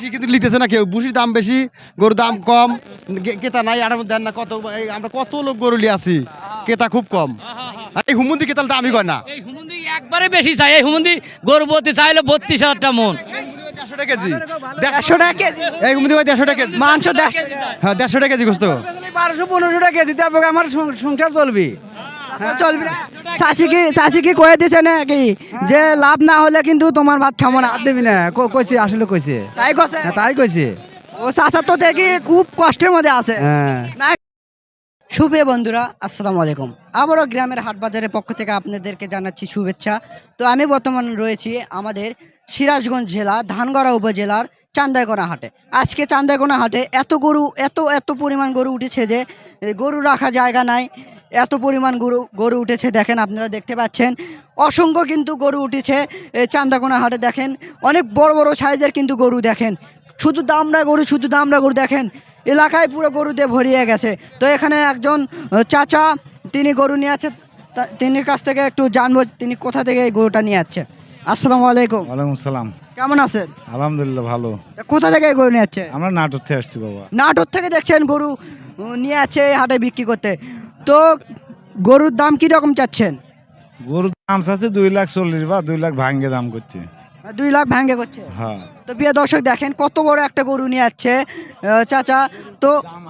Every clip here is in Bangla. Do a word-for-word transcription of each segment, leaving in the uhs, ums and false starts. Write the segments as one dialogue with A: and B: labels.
A: কিন্তু লিতেছে না কেউ, বুসির দাম বেশি, গরুর দাম কম, ক্রেতা নাই। আর দেন না কত, আমরা কত লোক গরু লিয়ে আছি, ক্রেতা খুব কম। এই হুমুন্দি ক্রেতার দামই কয় না,
B: এই হুমুন্দি একবারে বেশি চাই। এই হুমুন্দি গরু বলতে চাইলে বত্রিশ হাজারটা মন,
A: দেড়শো টাকা কেজি, দেড়শো টাকা কেজি। এই হুমুন্দি ভাই দেড়শো টাকা কেজি
C: মাংস
A: হ্যাঁ দেড়শো টাকা কেজি গোস্ত,
C: বারোশো পনেরোশো টাকা কেজি। তারপরে আমার সংসার চলবি, চলবি না। চাষি কি চাষি কি কয়ে দিছে নাকি যে লাভ না হলে কিন্তু তোমার ভাত খাবো না, দিবি না? কইছে, আসলে কইছে, তাই কইছে, তাই কইছে। ও চাষা তো দেখি খুব কষ্টের মধ্যে আছে। হ্যাঁ। শুভ বন্ধুরা, আসসালামু আলাইকুম। আবারও গ্রামের হাট বাজারের পক্ষ থেকে আপনাদেরকে জানাচ্ছি শুভেচ্ছা। তো আমি বর্তমান রয়েছি আমাদের সিরাজগঞ্জ জেলা ধানগড়া উপজেলার চান্দাইকোনা হাটে। আজকে চান্দাইকোনা হাটে এত গরু, এত এত পরিমাণ গরু উঠেছে যে গরু রাখা জায়গা নাই, এত পরিমাণ গরু গরু উঠেছে। দেখেন, আপনারা দেখতে পাচ্ছেন অসংখ্য কিন্তু গরু উঠেছে এই চান্দাইকোনা হাটে। দেখেন অনেক বড় বড় সাইজের কিন্তু গরু, দেখেন শুধু দামড়া গরু, শুধু দামড়া গরু। দেখেন এলাকায় পুরো গরুতে ভরিয়ে গেছে। তো এখানে একজন চাচা, তিনি গরু নিয়ে আছে, তিনি কাছ থেকে একটু জানবো তিনি কোথা থেকে এই গরুটা নিয়ে যাচ্ছে। আসসালামু আলাইকুম।
D: ওয়ালাইকুম সালাম।
C: কেমন আছেন?
D: আলহামদুলিল্লাহ ভালো।
C: কোথা থেকে এই গরু নিয়ে যাচ্ছে?
D: আমরা নাটোর থেকে আসছি বাবা।
C: নাটোর থেকে দেখছেন গরু নিয়ে আছে হাটে বিক্রি করতে। তো গরুর দাম কি রকম চাচ্ছেন?
D: গরুর দাম আছে দুই লাখ চল্লিশ বা দুই লাখ ভাঙ্গে দাম করছে।
C: দুই লাখ ভাঙ্গে করছে।
D: হ্যাঁ।
C: তো প্রিয় দর্শক দেখেন কত বড় একটা গরু নিয়ে যাচ্ছে চাচা। তো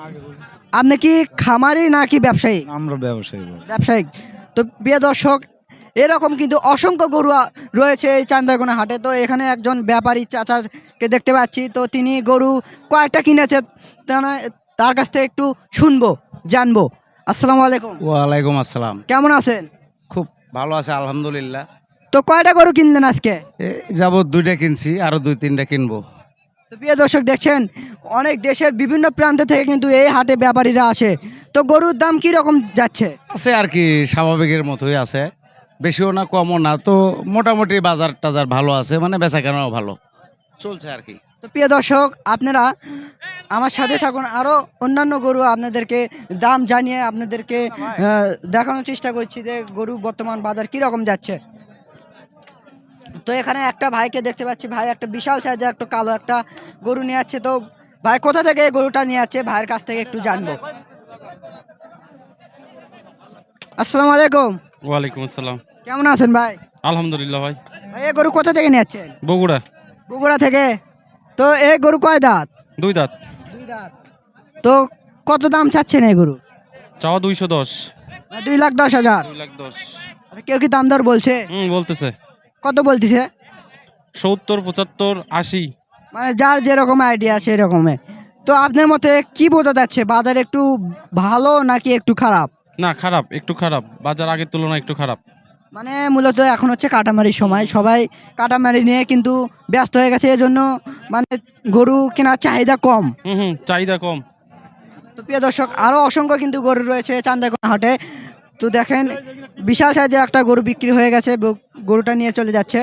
C: আপনি কি খামারি নাকি ব্যবসায়ী?
D: আমরা ব্যবসায়ী।
C: ব্যবসায়িক। তো প্রিয় দর্শক এরকম কিন্তু অসংখ্য গরু রয়েছে এই চান্দাইকোনা হাটে। তো এখানে একজন ব্যাপারী চাচাকে দেখতে পাচ্ছি। তো তিনি গরু কয়েকটা কিনেছে, তার কাছ থেকে একটু শুনবো, জানবো। আসসালামু আলাইকুম।
B: ওয়ালাইকুম আসসালাম।
C: কেমন আছেন?
B: খুব ভালো আছে আলহামদুলিল্লাহ।
C: তো কয়টা গরু কিনলেন আজকে?
B: যাব দুইটা কিনছি, আরো দুই তিনটা কিনবো।
C: তো প্রিয় দর্শক দেখছেন অনেক দেশের বিভিন্ন প্রান্ত থেকে কিন্তু এই হাটে ব্যাপারীরা আসে। তো গরুর দাম কি রকম যাচ্ছে?
B: আছে আর কি স্বাভাবিকের মতোই আছে, বেশিও না কমও না। তো মোটামুটি বাজার টাজার ভালো আছে, মানে বেচা কেনাও ভালো চলছে আর কি।
C: তো প্রিয় দর্শক আপনারা আমার সাথে থাকুন, আরো অন্যান্য গরু আপনাদেরকে দাম জানিয়ে আপনাদেরকে দেখানোর চেষ্টা করছি যে গরু বর্তমান বাজার কি রকম যাচ্ছে। তো এখানে একটা ভাইকে দেখতে পাচ্ছি, ভাই একটা বিশাল সাইজের একটা কালো একটা গরু নিয়ে যাচ্ছে। তো ভাই কোথা থেকে এই গরুটা নিয়ে যাচ্ছে, ভাইয়ের কাছ থেকে একটু জানবো। আসসালামু আলাইকুম।
E: ওয়ালাইকুম আসসালাম।
C: কেমন আছেন ভাই?
E: আলহামদুলিল্লাহ ভাই।
C: ভাই এই গরু কোথা থেকে নিয়ে যাচ্ছেন?
E: বগুড়া।
C: বগুড়া থেকে। তো এই গরু কয় দাঁত?
E: দুই দাঁত।
C: দুই দাঁত। তো কত দাম চাচ্ছেন এই গরু?
E: চাওয়া দুইশো দশ।
C: দুই লাখ দশ হাজার।
E: দুই লাখ দশ।
C: কেউ কি দাম দর বলছে?
E: হুম বলতেছে।
C: কত বলতেছে?
E: সত্তর পঁচাত্তর আশি,
C: মানে যার যেরকম আইডিয়া সেই রকমের। তো আপনার মতে কি বোঝা যাচ্ছে, বাজার একটু ভালো নাকি একটু খারাপ?
E: না খারাপ, একটু খারাপ, বাজার আগের তুলনায় একটু খারাপ।
C: মানে মূলত এখন হচ্ছে কাটামারির সময়, সবাই কাটামারি নিয়ে কিন্তু ব্যস্ত হয়ে গেছে, এজন্য মানে গরু কেনার চাহিদা কম।
E: হুম হুম চাহিদা কম।
C: তো প্রিয় দর্শক আরো অসংখ্য কিন্তু গরু রয়েছে চান্দাইকোনা হাটে। তো দেখেন বিশাল সাইজের একটা গরু বিক্রি হয়ে গেছে, গরুটা নিয়ে চলে যাচ্ছে।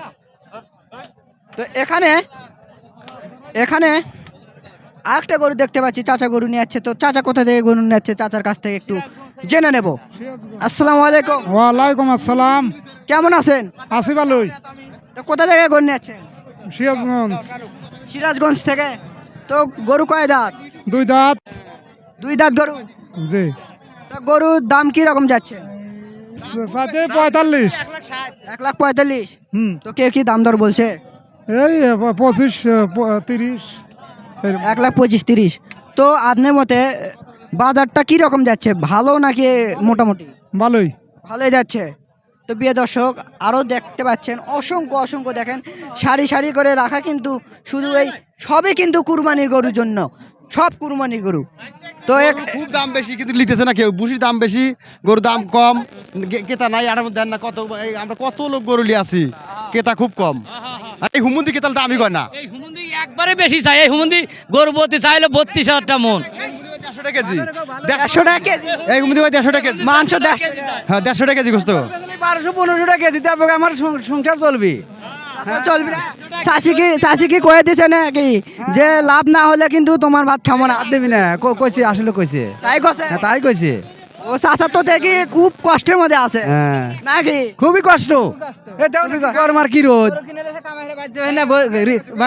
C: তো এখানে এখানে আরেকটা গরু দেখতে পাচ্ছি, চাচা গরু নিয়ে যাচ্ছে। তো চাচা কোথা থেকে গরু নিয়ে যাচ্ছে, চাচার কাছ থেকে একটু জেনে নেব। আসসালামু আলাইকুম।
D: ওয়ালাইকুম আসসালাম।
C: কেমন আছেন?
D: আছি ভালোই।
C: তো কোথা থেকে গরু নিয়ে যাচ্ছেন?
D: সিরাজগঞ্জ।
C: সিরাজগঞ্জ থেকে। তো গরু কয় দাঁত?
D: দুই দাঁত।
C: দুই দাঁত গরু।
D: জি।
C: তো গরুর দাম কি রকম যাচ্ছে?
D: সাথে পঁয়তাল্লিশ।
C: এক লাখ পঁয়তাল্লিশ।
D: হুম।
C: তো কে কি দাম দর বলছে?
D: এই পঁচিশ তিরিশ।
C: এক লাখ পঁচিশ তিরিশ। তো আপনার মতে বাজারটা কি রকম যাচ্ছে, ভালো নাকি মোটামুটি?
D: ভালোই।
C: ভালোই যাচ্ছে। তো প্রিয় দর্শক আরও দেখতে পাচ্ছেন অসংখ্য অসংখ্য দেখেন সারি সারি করে রাখা, কিন্তু শুধু এই সবই কিন্তু কুরবানির গরুর জন্য, সব কুরবানির গরু। তো
A: খুব দাম বেশি কিন্তু লিতেছে না কেউ, বুসির দাম বেশি, গরুর দাম কম, ক্রেতা নাই। আর দেন না কত, আমরা কত লোক গরু লিয়ে আছি, ক্রেতা খুব কম। এই হুমুন্দি ক্রেতার দামই কয় না,
B: এই হুমুন্দি একবারে বেশি চাই। এই হুমুন্দি গরু বলতে চাইলে বত্রিশ হাজারটা মন,
A: দেড়শো টাকা কেজি।
C: দেড়শো টাকা কেজি।
A: এই হুমুন্দি ভাই দেড়শো টাকা কেজি
C: মাংস
A: হ্যাঁ দেড়শো টাকা কেজি গোস্ত,
C: বারোশো পনেরোশো টাকা কেজি। তারপরে আমার সংসার চলবি, চলবি না। চাষি কি চাষি কি কয়ে দিছে নাকি যে লাভ না হলে কিন্তু তোমার ভাত খাবো না, দিবি না? কইছে, আসলে কইছে, তাই কইছে, তাই কইছে। ও চাচা তো দেখি খুব কষ্টের মধ্যে আছে নাকি? খুবই কষ্ট। কি রোদ মানে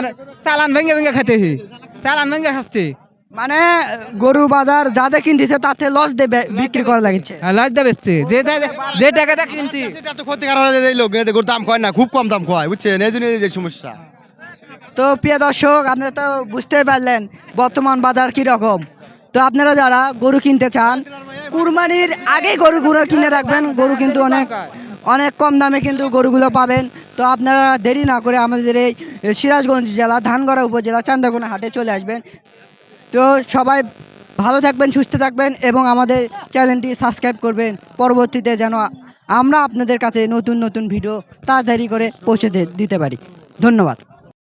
C: চালান ভেঙে ভেঙে খাইতেছি চালান ভেঙে খাচ্ছি মানে গরু বাজার যাদের কিনতেছে তাতে লস দেবে বিক্রি করা লাগছে লস দেবে যে যে টাকাটা কিনছি
A: এত ক্ষতিকার হয়ে যায় এই লোক এদের গরুর দাম কয় না, খুব কম দাম কয়, বুঝছেন, এই জন্য এই যে সমস্যা।
C: তো প্রিয় দর্শক আপনারা তো বুঝতেই পারলেন বর্তমান বাজার কি রকম। তো আপনারা যারা গরু কিনতে চান কুরবানির আগে গরুগুলো কিনে রাখবেন, গরু কিন্তু অনেক অনেক কম দামে কিন্তু গরুগুলো পাবেন। তো আপনারা দেরি না করে আমাদের এই সিরাজগঞ্জ জেলা ধানগড়া উপজেলা চান্দাগোনা হাটে চলে আসবেন। তো সবাই ভালো থাকবেন, সুস্থ থাকবেন এবং আমাদের চ্যানেলটি সাবস্ক্রাইব করবেন, পরবর্তীতে যেন আমরা আপনাদের কাছে নতুন নতুন ভিডিও তাড়াতাড়ি করে পৌঁছে দে- দিতে পারি। ধন্যবাদ।